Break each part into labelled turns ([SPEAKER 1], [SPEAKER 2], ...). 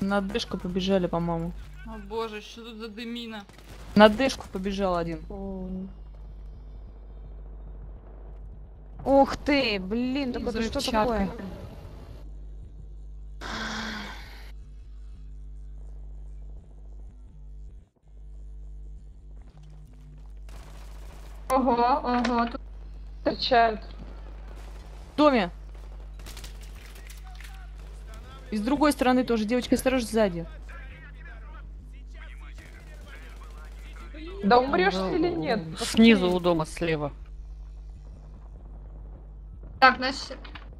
[SPEAKER 1] На дышку побежали, по-моему.
[SPEAKER 2] О боже, что тут за дымина?
[SPEAKER 1] На дышку побежал один.
[SPEAKER 3] Ух ты, блин, так это что такое?
[SPEAKER 4] Ого, ого, тут встречают.
[SPEAKER 1] В доме. И с другой стороны тоже. Девочка, осторожно, сзади.
[SPEAKER 5] Да умрешь или нет?
[SPEAKER 6] Снизу у дома слева.
[SPEAKER 4] так, значит...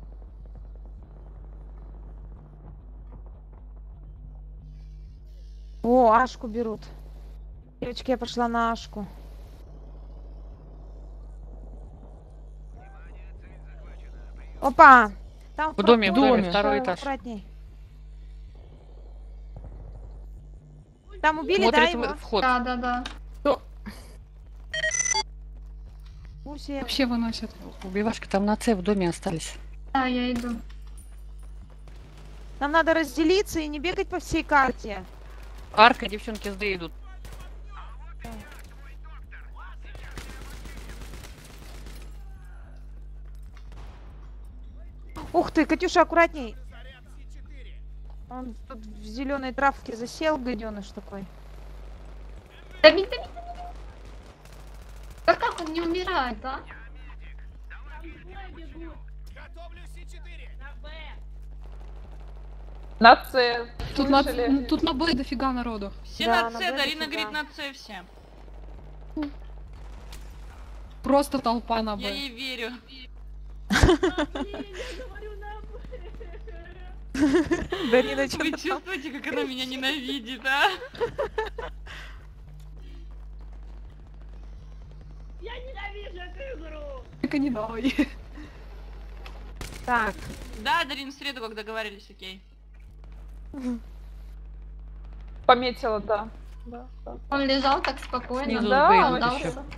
[SPEAKER 3] О, Ашку берут. Девочки, я пошла на Ашку. Опа! Там
[SPEAKER 6] В доме,
[SPEAKER 1] доме.
[SPEAKER 6] второй этаж.
[SPEAKER 3] Аккуратней. Там убили,
[SPEAKER 6] Смотрит
[SPEAKER 3] да, его?
[SPEAKER 6] вход.
[SPEAKER 4] Да.
[SPEAKER 3] Пусть
[SPEAKER 7] Вообще выносят.
[SPEAKER 6] Убивашки там на С в доме остались.
[SPEAKER 4] Да, я иду.
[SPEAKER 3] Нам надо разделиться и не бегать по всей карте.
[SPEAKER 6] Арка, девчонки с Д идут.
[SPEAKER 3] Ух ты, Катюша, аккуратней. Он тут в зеленой травке засел, гаденыш такой.
[SPEAKER 4] Давид. Да как он не умирает, а?
[SPEAKER 5] На С.
[SPEAKER 7] Тут на Б дофига народу.
[SPEAKER 2] Все
[SPEAKER 3] Да,
[SPEAKER 2] на С,
[SPEAKER 3] на Б
[SPEAKER 2] Дарина
[SPEAKER 3] дофига.
[SPEAKER 2] говорит на С все.
[SPEAKER 7] Просто толпа на
[SPEAKER 2] Я
[SPEAKER 7] Б.
[SPEAKER 2] ей верю.
[SPEAKER 3] Дарина,
[SPEAKER 2] Вы
[SPEAKER 3] что-то там.
[SPEAKER 2] чувствуете, как она меня ненавидит, а?
[SPEAKER 7] Только не давай.
[SPEAKER 3] Так,
[SPEAKER 2] Да, Дарин, в среду, как договорились, окей.
[SPEAKER 5] Пометила, да.
[SPEAKER 4] Он лежал так спокойно.
[SPEAKER 6] Снизу
[SPEAKER 5] да,
[SPEAKER 6] Б
[SPEAKER 5] он
[SPEAKER 6] идут
[SPEAKER 4] дался.
[SPEAKER 6] еще.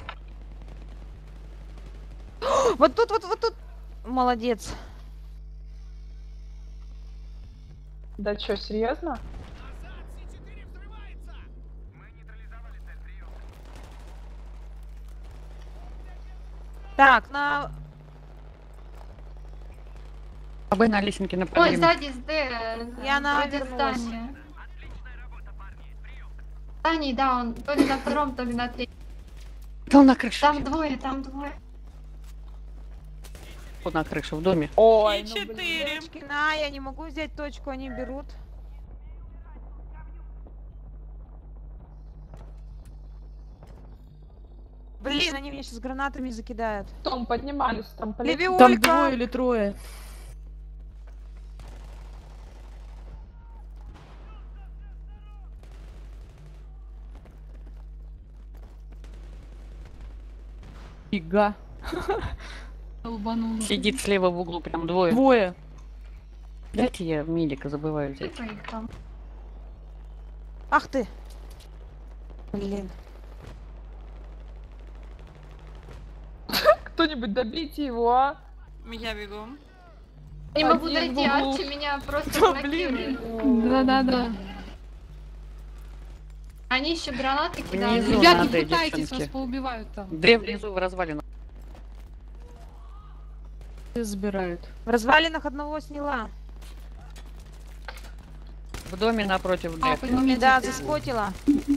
[SPEAKER 3] вот тут. Молодец.
[SPEAKER 5] Да чё, серьезно?
[SPEAKER 3] Так, на...
[SPEAKER 6] А Б на лесенке на
[SPEAKER 4] Ой,
[SPEAKER 6] подъеме.
[SPEAKER 4] сзади с Д.
[SPEAKER 3] Я
[SPEAKER 4] вроде
[SPEAKER 3] навернулась.
[SPEAKER 4] здания. Зданий, да, он то ли на втором, то ли на третьем.
[SPEAKER 6] Там на крыше.
[SPEAKER 4] Там двое.
[SPEAKER 6] Вот на крыше, в доме.
[SPEAKER 5] Ой,
[SPEAKER 2] И
[SPEAKER 5] ну, блин.
[SPEAKER 2] 4.
[SPEAKER 3] Девочки, на, я не могу взять точку, они берут. Блин, они меня сейчас гранатами закидают.
[SPEAKER 5] Том, поднимались, там полетели.
[SPEAKER 3] Левиолька!
[SPEAKER 1] Там двое или трое. Фига.
[SPEAKER 7] Долбануло.
[SPEAKER 6] Сидит слева в углу, прям двое.
[SPEAKER 1] Двое.
[SPEAKER 6] Дайте я медика забываю взять.
[SPEAKER 4] Сколько их там?
[SPEAKER 3] Ах ты! Блин.
[SPEAKER 5] Кто-нибудь добейте его, а?
[SPEAKER 2] Я бегу.
[SPEAKER 4] Не могу
[SPEAKER 5] Один в
[SPEAKER 4] дойти,
[SPEAKER 5] углу.
[SPEAKER 4] Арчи меня просто
[SPEAKER 1] Да,
[SPEAKER 4] блокирует.
[SPEAKER 7] Да.
[SPEAKER 4] Они еще гранаты кидают.
[SPEAKER 6] Внизу
[SPEAKER 7] Ребят, не
[SPEAKER 6] надо,
[SPEAKER 7] пытайтесь,
[SPEAKER 6] девчонки.
[SPEAKER 7] вас поубивают там.
[SPEAKER 6] Д внизу в развалинах.
[SPEAKER 1] Все забирают.
[SPEAKER 3] В развалинах одного сняла.
[SPEAKER 6] В доме напротив Д.
[SPEAKER 7] Поднимите.
[SPEAKER 3] Да, заспотила.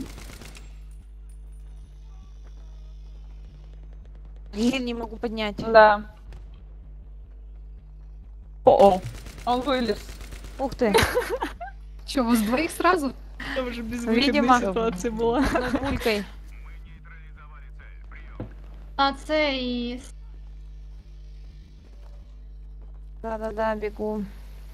[SPEAKER 3] Блин, не могу поднять.
[SPEAKER 5] Да.
[SPEAKER 1] О-о.
[SPEAKER 5] Он вылез.
[SPEAKER 3] Ух ты.
[SPEAKER 7] Че, вас двоих сразу?
[SPEAKER 1] Там уже
[SPEAKER 3] Видимо.
[SPEAKER 1] ситуация была.
[SPEAKER 3] Одной пулькой.
[SPEAKER 4] На С и...
[SPEAKER 3] Да, бегу.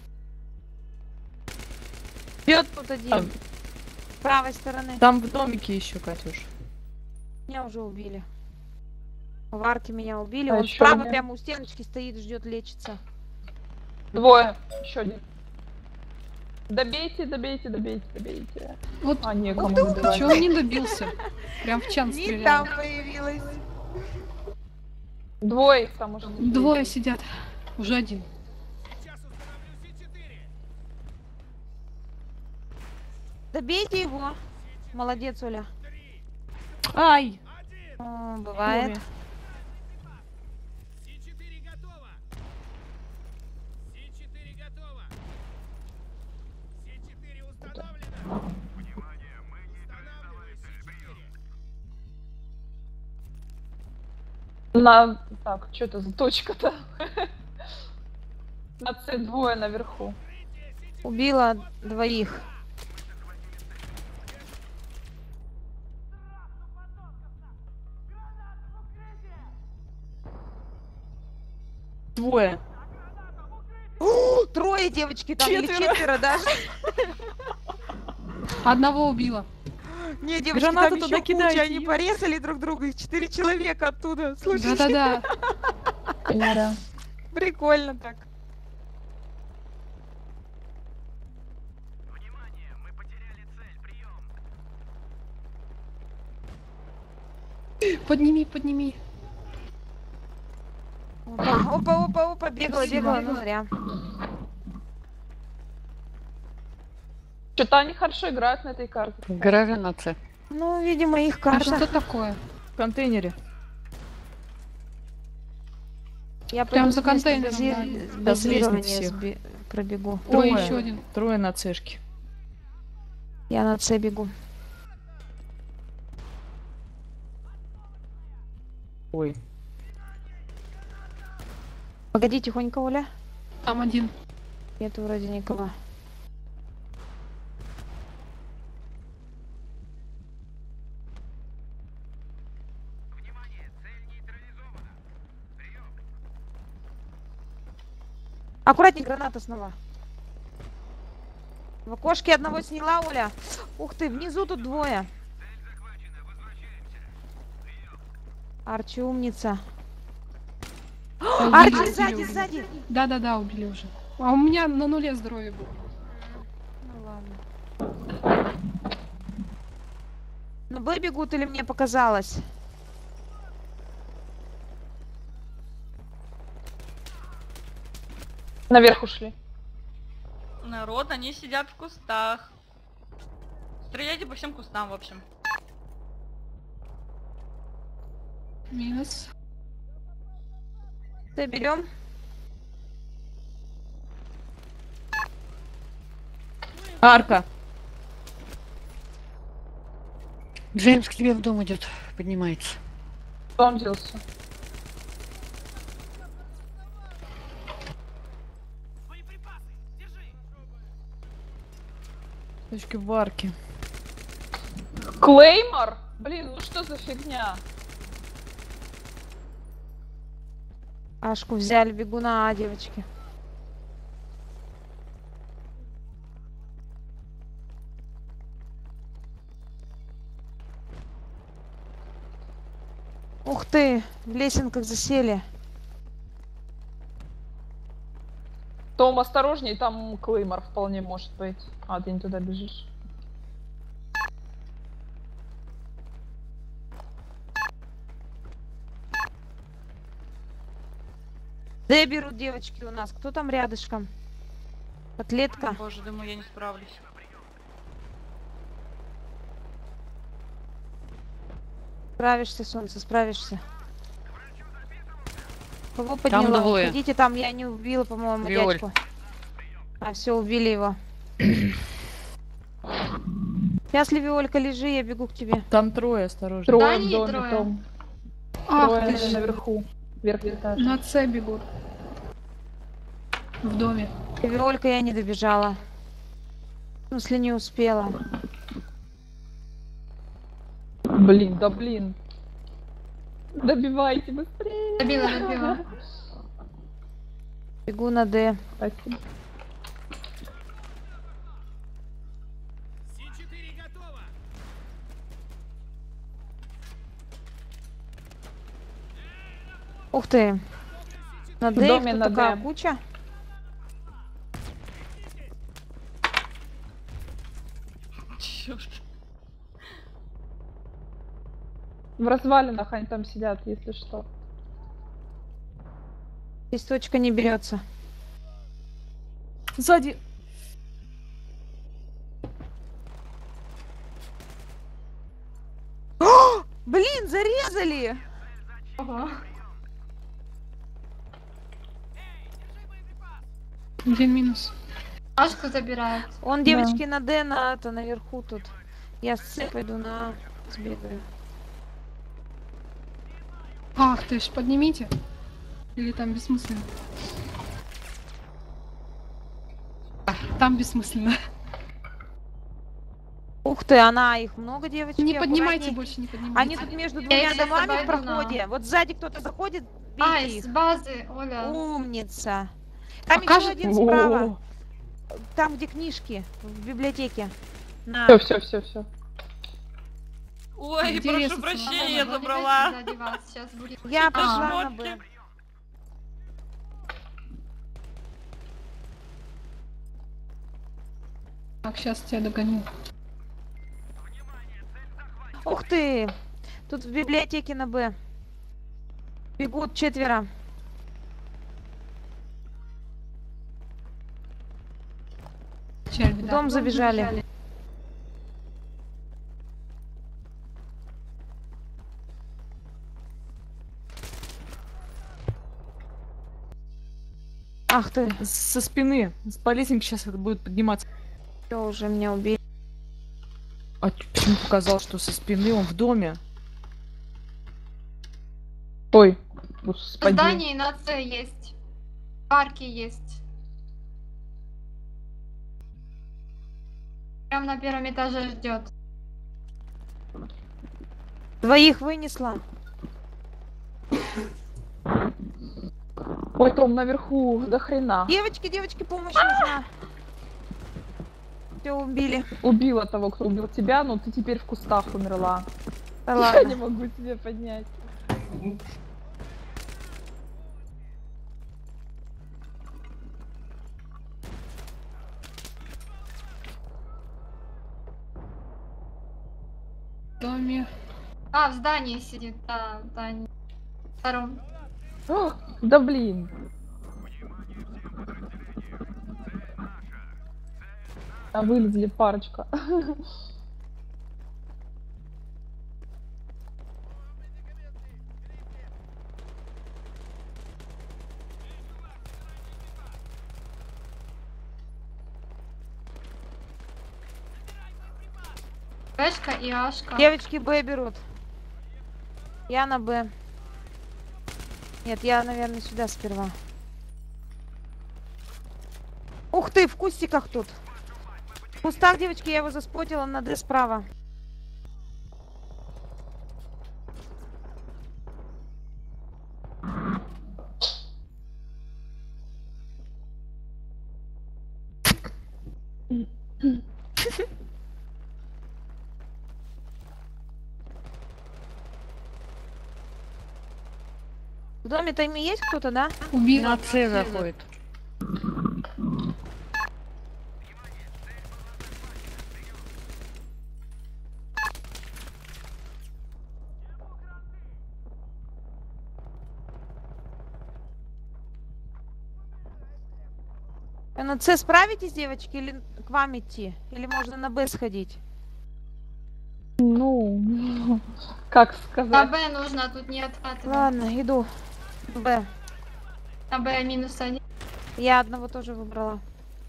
[SPEAKER 3] Бьет тут один.
[SPEAKER 1] Там.
[SPEAKER 3] С правой стороны.
[SPEAKER 1] Там в домике еще, Катюш.
[SPEAKER 3] Меня уже убили. В арке меня убили.
[SPEAKER 5] А
[SPEAKER 3] Он
[SPEAKER 5] ещё
[SPEAKER 3] справа
[SPEAKER 5] нет.
[SPEAKER 3] прямо у стеночки стоит, ждет лечиться.
[SPEAKER 5] Двое. Еще один. Добейте.
[SPEAKER 7] Вот,
[SPEAKER 5] А, некому
[SPEAKER 7] ты
[SPEAKER 5] добивать.
[SPEAKER 7] чё он не добился? Прям в чан
[SPEAKER 3] Не
[SPEAKER 7] стрелял.
[SPEAKER 3] там появилась.
[SPEAKER 5] Двое их там уже.
[SPEAKER 7] Двое сидят. Уже один.
[SPEAKER 3] Добейте его. Молодец, Оля.
[SPEAKER 1] Ай!
[SPEAKER 3] О, бывает.
[SPEAKER 1] Оля.
[SPEAKER 5] На... Так, что это за точка-то? На С двое наверху.
[SPEAKER 3] Убила двоих.
[SPEAKER 1] Двое.
[SPEAKER 3] Трое девочки там или
[SPEAKER 1] Четверо.
[SPEAKER 3] четверо даже.
[SPEAKER 7] Одного убила.
[SPEAKER 3] Не, девочки,
[SPEAKER 1] Гранату
[SPEAKER 3] там
[SPEAKER 1] туда
[SPEAKER 3] еще куча,
[SPEAKER 1] кидайте,
[SPEAKER 3] они
[SPEAKER 1] ё.
[SPEAKER 3] порезали друг друга, их 4 человека оттуда. Слушай,
[SPEAKER 7] Да-да-да.
[SPEAKER 3] прикольно так.
[SPEAKER 7] Подними, подними.
[SPEAKER 3] Опа, опа, опа, опа, бегала,
[SPEAKER 7] Спасибо.
[SPEAKER 3] бегала, ну зря.
[SPEAKER 5] Что-то они хорошо играют на этой карте.
[SPEAKER 6] В гараже на С.
[SPEAKER 3] Ну, видимо, их
[SPEAKER 7] А
[SPEAKER 3] карта.
[SPEAKER 7] что такое?
[SPEAKER 1] В контейнере.
[SPEAKER 3] Я
[SPEAKER 7] Прям
[SPEAKER 3] пойду
[SPEAKER 7] за
[SPEAKER 3] с места
[SPEAKER 7] контейнером,
[SPEAKER 1] да. С
[SPEAKER 3] базирования
[SPEAKER 1] лестницы
[SPEAKER 3] пробегу.
[SPEAKER 7] Ой,
[SPEAKER 1] Трое.
[SPEAKER 7] еще один.
[SPEAKER 1] Трое на Цешке.
[SPEAKER 3] Я на С бегу.
[SPEAKER 1] Ой.
[SPEAKER 3] Погоди, тихонько, Оля.
[SPEAKER 7] Там один.
[SPEAKER 3] Нету вроде никого. Аккуратней, граната снова. В окошке одного сняла, Оля. Ух ты, внизу тут двое. Арчи умница. Арчи,
[SPEAKER 7] Убили,
[SPEAKER 3] сзади,
[SPEAKER 7] убили.
[SPEAKER 3] сзади.
[SPEAKER 7] Да-да-да, убили уже. А у меня на нуле здоровья было.
[SPEAKER 3] Ну ладно. Ну, Б бегут или мне показалось?
[SPEAKER 5] Наверх ушли.
[SPEAKER 2] Народ, они сидят в кустах. Стреляйте по всем кустам, в общем.
[SPEAKER 7] Минус.
[SPEAKER 3] Т берем.
[SPEAKER 1] Арка.
[SPEAKER 6] Джеймс к тебе в дом идет, поднимается.
[SPEAKER 5] Кто он делся?
[SPEAKER 1] Точки в арке.
[SPEAKER 5] Клеймор? Блин, ну что за фигня?
[SPEAKER 3] Ашку взяли, бегу на А, девочки. Ух ты, в лесенках засели.
[SPEAKER 5] Том, осторожней, там Клеймор вполне может быть. А, ты не туда бежишь.
[SPEAKER 3] Д берут девочки у нас. Кто там рядышком? Котлетка.
[SPEAKER 2] Боже, думаю, я не справлюсь.
[SPEAKER 3] Справишься, солнце, справишься. Кого подняла?
[SPEAKER 6] двое.
[SPEAKER 3] Ходите там, я не убила, по-моему,
[SPEAKER 6] Виоль.
[SPEAKER 3] дядьку. А, все, убили его. Сейчас, Левиолька, лежи, я бегу к тебе.
[SPEAKER 1] Там трое, осторожно.
[SPEAKER 5] Трое
[SPEAKER 4] Да,
[SPEAKER 5] в
[SPEAKER 4] они
[SPEAKER 5] доме,
[SPEAKER 4] трое.
[SPEAKER 5] Том.
[SPEAKER 7] Ах
[SPEAKER 5] Трое
[SPEAKER 7] ты ж.
[SPEAKER 5] наверху. Верхний этаж.
[SPEAKER 7] На С бегут. В доме.
[SPEAKER 3] Левиолька, я не добежала. В смысле, не успела.
[SPEAKER 5] Блин, да блин. Добивайте быстрее.
[SPEAKER 4] Добила, добила.
[SPEAKER 3] Бегу на Д.
[SPEAKER 5] Спасибо.
[SPEAKER 3] Ух ты. На
[SPEAKER 5] В
[SPEAKER 3] Д их
[SPEAKER 5] доме
[SPEAKER 3] тут
[SPEAKER 5] на
[SPEAKER 3] такая
[SPEAKER 5] Д.
[SPEAKER 3] куча.
[SPEAKER 2] Чёрт.
[SPEAKER 5] В развалинах они там сидят, если что.
[SPEAKER 3] Здесь точка не берется.
[SPEAKER 1] Сзади.
[SPEAKER 3] Блин, зарезали!
[SPEAKER 4] Ого.
[SPEAKER 7] Один минус.
[SPEAKER 4] Ашку забирают.
[SPEAKER 3] Он, девочки, на Д, на наверху тут. Я с С пойду на А, сбегаю.
[SPEAKER 7] Ах ты ж, поднимите. Или там бессмысленно? Там бессмысленно.
[SPEAKER 3] Ух ты, она, их много, девочки.
[SPEAKER 7] Не поднимайте
[SPEAKER 3] аккуратней.
[SPEAKER 7] больше, не поднимайте.
[SPEAKER 3] Они тут между двумя
[SPEAKER 4] их
[SPEAKER 3] домами в
[SPEAKER 4] обойду,
[SPEAKER 3] проходе. Вот сзади кто-то заходит,
[SPEAKER 4] А,
[SPEAKER 3] бейте
[SPEAKER 4] из
[SPEAKER 3] их.
[SPEAKER 4] базы, Оля.
[SPEAKER 3] Умница. Там еще
[SPEAKER 7] Покажет?
[SPEAKER 3] один справа. Там, где книжки, в библиотеке. На.
[SPEAKER 5] Все.
[SPEAKER 2] Ой,
[SPEAKER 7] Где
[SPEAKER 2] прошу
[SPEAKER 7] резаться?
[SPEAKER 2] прощения, я
[SPEAKER 4] Мама,
[SPEAKER 2] забрала.
[SPEAKER 4] сзади вас, сейчас будет.
[SPEAKER 3] Я
[SPEAKER 2] А.
[SPEAKER 3] пошла на
[SPEAKER 2] Шмотки.
[SPEAKER 3] Б.
[SPEAKER 7] Так, сейчас тебя догоню.
[SPEAKER 3] Ух ты! Тут в библиотеке на Б. Бегут 4.
[SPEAKER 7] Печаль,
[SPEAKER 3] В
[SPEAKER 7] да.
[SPEAKER 3] дом забежали. Ах ты,
[SPEAKER 1] Со спины. По лестнице сейчас это будет подниматься.
[SPEAKER 3] все уже меня убили.
[SPEAKER 1] А почему показал, что со спины он в доме?
[SPEAKER 5] Ой,
[SPEAKER 4] В
[SPEAKER 5] господи.
[SPEAKER 4] здании на С есть. В парке есть. Прям на первом этаже ждет.
[SPEAKER 3] Двоих вынесла.
[SPEAKER 5] Ой, Том, наверху, до хрена.
[SPEAKER 3] Девочки, помощь нужна. Все убили.
[SPEAKER 5] Убила того, кто убил тебя, но ты теперь в кустах умерла.
[SPEAKER 3] Да
[SPEAKER 5] Я не
[SPEAKER 3] ладно.
[SPEAKER 5] могу тебе поднять.
[SPEAKER 7] В доме.
[SPEAKER 4] А, в здании сидит, да, в здании. Втором.
[SPEAKER 5] О, да блин. А вылезли парочка.
[SPEAKER 4] Бэшка и Ашка.
[SPEAKER 3] Девочки Б берут. Я на Б. Нет, я, наверное, сюда сперва. Ух ты, в кустиках тут. В кустах, девочки, я его заспотила на Д справа. В доме-то ими есть кто-то, да?
[SPEAKER 7] Убила.
[SPEAKER 6] На С заходит.
[SPEAKER 3] А на С справитесь, девочки, или к вам идти? Или можно на Б сходить?
[SPEAKER 5] Ну, как
[SPEAKER 4] На
[SPEAKER 5] сказать.
[SPEAKER 4] Б нужно, тут не откатывать.
[SPEAKER 3] Ладно, иду. В Б.
[SPEAKER 4] На Б минус 1.
[SPEAKER 3] Я одного тоже выбрала.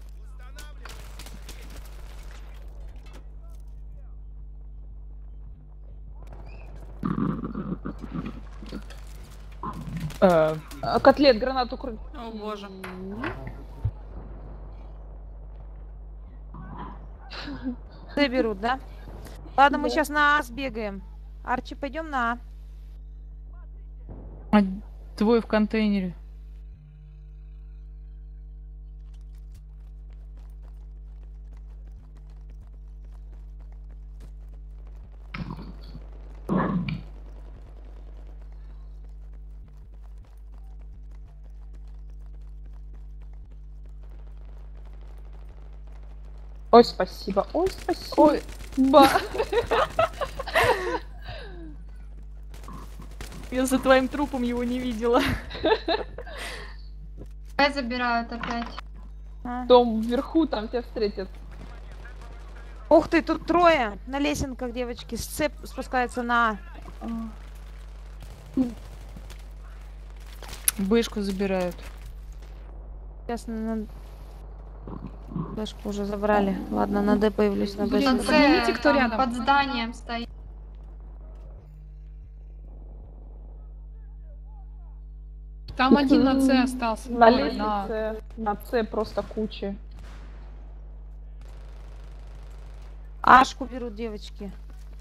[SPEAKER 5] Котлет, гранату кры.
[SPEAKER 2] О боже.
[SPEAKER 3] Д берут, да? Ладно, мы сейчас на А сбегаем. Арчи, пойдем на А.
[SPEAKER 1] А, двое в контейнере.
[SPEAKER 5] Ой, спасибо. Ой, спасибо. Ой, ба.
[SPEAKER 1] Я за твоим трупом его не видела.
[SPEAKER 4] Б забирают опять.
[SPEAKER 3] А.
[SPEAKER 5] Том вверху, там тебя встретят.
[SPEAKER 3] Ух ты, тут трое на лесенках, девочки. С С спускается на А.
[SPEAKER 1] Бэшку забирают.
[SPEAKER 3] Сейчас на... Флешку уже забрали. Ладно, на Д появлюсь на
[SPEAKER 7] Блин,
[SPEAKER 3] Б.
[SPEAKER 7] поднимите, кто
[SPEAKER 4] там
[SPEAKER 7] рядом.
[SPEAKER 4] под зданием стоит.
[SPEAKER 7] Там один на С остался.
[SPEAKER 5] На
[SPEAKER 7] Ой,
[SPEAKER 5] лестнице, на С просто кучи.
[SPEAKER 3] Ашку берут девочки.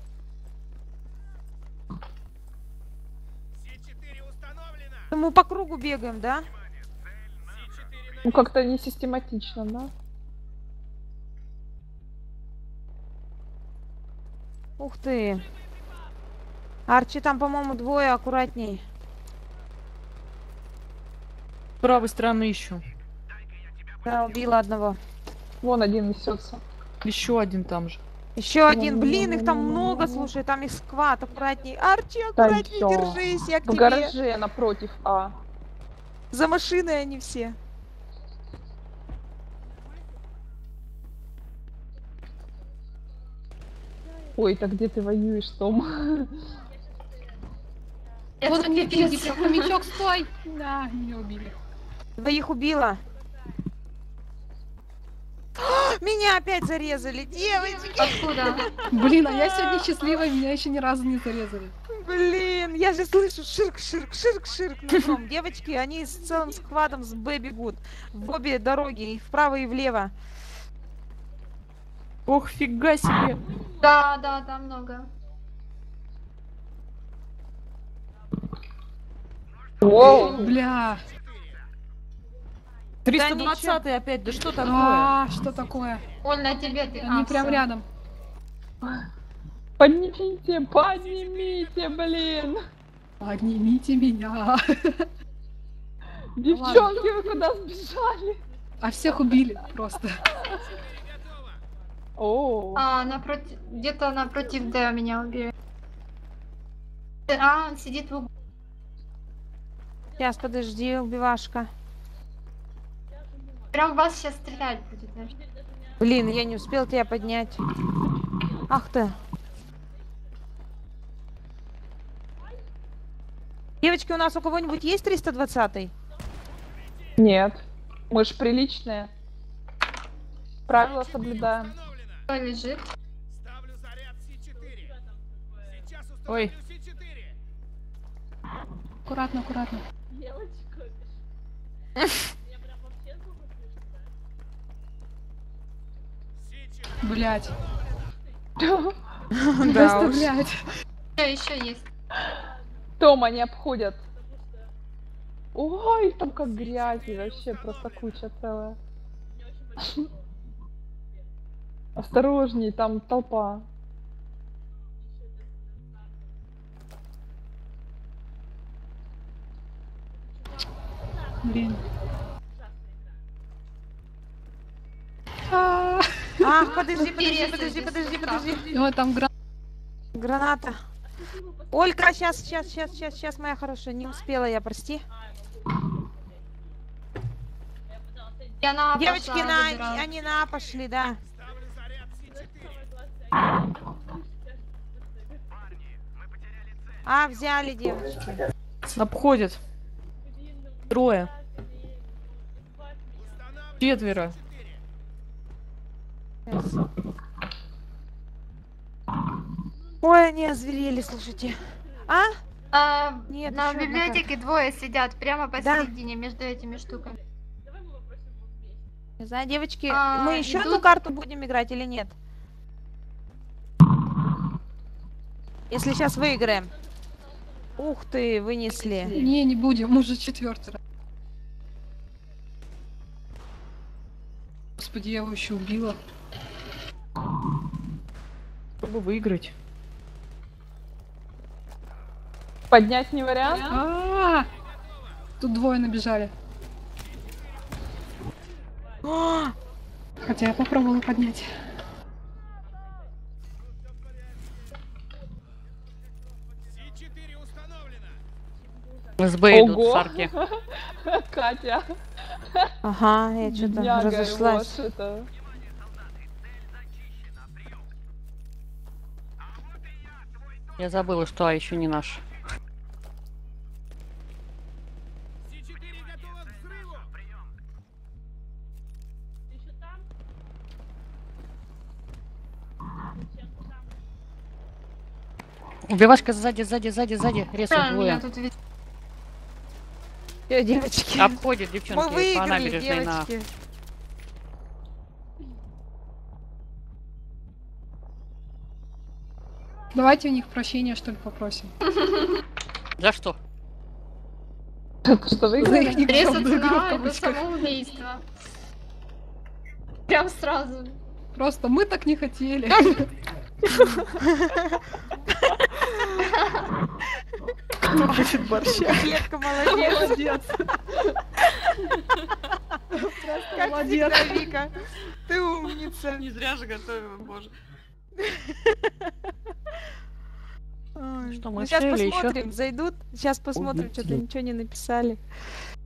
[SPEAKER 3] Мы по кругу бегаем, да?
[SPEAKER 5] Ну как-то не систематично, да?
[SPEAKER 3] Ух ты. Арчи, там, по-моему, двое, аккуратней.
[SPEAKER 1] С правой стороны ищу.
[SPEAKER 3] Да, убила одного.
[SPEAKER 5] Вон один несется.
[SPEAKER 1] Еще один там же.
[SPEAKER 3] Еще один. Блин, их там много, слушай, там их сквад, аккуратней. Арчи, аккуратней,
[SPEAKER 5] всё.
[SPEAKER 3] держись, я к
[SPEAKER 5] В
[SPEAKER 3] тебе.
[SPEAKER 5] гараже напротив А.
[SPEAKER 3] За машиной они все.
[SPEAKER 5] Ой, так где ты воюешь, Том?
[SPEAKER 7] Вот они, пиздец, хомячок, стой! Да, меня убили.
[SPEAKER 3] Двоих убила. Меня опять зарезали, девочки.
[SPEAKER 4] Откуда?
[SPEAKER 7] Блин, а я сегодня счастливая, меня еще ни разу не зарезали.
[SPEAKER 3] Блин, я же слышу ширк нутром. Девочки, они с целым сквадом с Б бегут. В обе дороги, и вправо, и влево.
[SPEAKER 1] Ох, фига себе.
[SPEAKER 4] Да, да, там много.
[SPEAKER 5] Воу!
[SPEAKER 7] Бля.
[SPEAKER 1] 320 опять, да что такое?
[SPEAKER 7] А, что такое?
[SPEAKER 4] Оль, на тебе ты.
[SPEAKER 7] Они прям
[SPEAKER 4] всё.
[SPEAKER 7] рядом.
[SPEAKER 5] Поднимите, поднимите, блин!
[SPEAKER 7] Поднимите меня.
[SPEAKER 5] Девчонки, вы куда сбежали?
[SPEAKER 7] А всех убили просто.
[SPEAKER 5] О,
[SPEAKER 4] Напротив, где-то напротив Д меня убили. Он сидит в углу.
[SPEAKER 3] Сейчас, подожди, убивашка.
[SPEAKER 4] Прям в вас сейчас стрелять будет. даже.
[SPEAKER 3] Блин, я не успел тебя поднять. Ах ты. Девочки, у нас у кого-нибудь есть 320-й?
[SPEAKER 5] нет. Мы ж приличные. Правила соблюдаем.
[SPEAKER 4] Кто лежит?
[SPEAKER 1] Ой,
[SPEAKER 7] Аккуратно, аккуратно. Блять.
[SPEAKER 1] да
[SPEAKER 7] Просто,
[SPEAKER 1] уж.
[SPEAKER 7] блять.
[SPEAKER 4] Еще есть.
[SPEAKER 5] Том, они обходят. Ой, там как грязи, вообще просто куча целая. Осторожней, там толпа.
[SPEAKER 7] Блин.
[SPEAKER 3] Ах, подожди.
[SPEAKER 7] Вот там
[SPEAKER 3] Граната. Олька, сейчас, моя хорошая. Не успела я, прости.
[SPEAKER 4] Я на А
[SPEAKER 3] Девочки,
[SPEAKER 4] пошла, забираю.
[SPEAKER 3] они на А пошли, да. А, взяли, девочки.
[SPEAKER 1] Обходят. Трое. Четверо.
[SPEAKER 3] Ой, они озверели, слушайте. А? Нет,
[SPEAKER 4] На
[SPEAKER 3] ещё одна
[SPEAKER 4] библиотеке двое сидят прямо
[SPEAKER 3] Да.
[SPEAKER 4] посередине между этими штуками.
[SPEAKER 3] Не знаю, девочки,
[SPEAKER 4] А,
[SPEAKER 3] мы еще
[SPEAKER 4] идут-
[SPEAKER 3] одну карту будем играть или нет? Если сейчас выиграем. Ух ты, вынесли.
[SPEAKER 7] Не будем, уже четвертый раз. Господи, я его еще убила.
[SPEAKER 1] Чтобы выиграть.
[SPEAKER 5] Поднять не вариант?
[SPEAKER 7] Тут двое набежали. Хотя я попробовала поднять.
[SPEAKER 6] СБ идут
[SPEAKER 5] Ого!
[SPEAKER 6] в арке.
[SPEAKER 5] Катя,
[SPEAKER 3] Ага, я что-то
[SPEAKER 5] бедняга,
[SPEAKER 3] разошлась.
[SPEAKER 5] вот это.
[SPEAKER 6] Я забыла, что еще не наш. Убивашка сзади, резко
[SPEAKER 4] Да, меня
[SPEAKER 6] двое.
[SPEAKER 4] тут вид-
[SPEAKER 3] Девочки,
[SPEAKER 6] Обходит
[SPEAKER 3] мы
[SPEAKER 6] девчонки по
[SPEAKER 3] выиграли,
[SPEAKER 6] набережной на...
[SPEAKER 3] девочки.
[SPEAKER 7] Давайте у них прощения, что ли, попросим.
[SPEAKER 6] За что?
[SPEAKER 5] Что
[SPEAKER 7] За
[SPEAKER 5] выиграли?
[SPEAKER 7] их никчемную игру в
[SPEAKER 4] Резаться на
[SPEAKER 7] кавычках.
[SPEAKER 4] самоубийство. Прям сразу.
[SPEAKER 7] Просто мы так не хотели.
[SPEAKER 3] Детка, молодец.
[SPEAKER 7] Молодец.
[SPEAKER 3] Как
[SPEAKER 7] Молодец.
[SPEAKER 3] всегда, Вика. Ты умница.
[SPEAKER 2] Не зря же готовила, боже.
[SPEAKER 3] Ой.
[SPEAKER 6] Что, мы
[SPEAKER 3] Ну, сейчас
[SPEAKER 6] все или еще?
[SPEAKER 3] посмотрим, зайдут. Сейчас посмотрим,
[SPEAKER 6] Ой,
[SPEAKER 3] что-то
[SPEAKER 6] нет.
[SPEAKER 3] ничего не написали.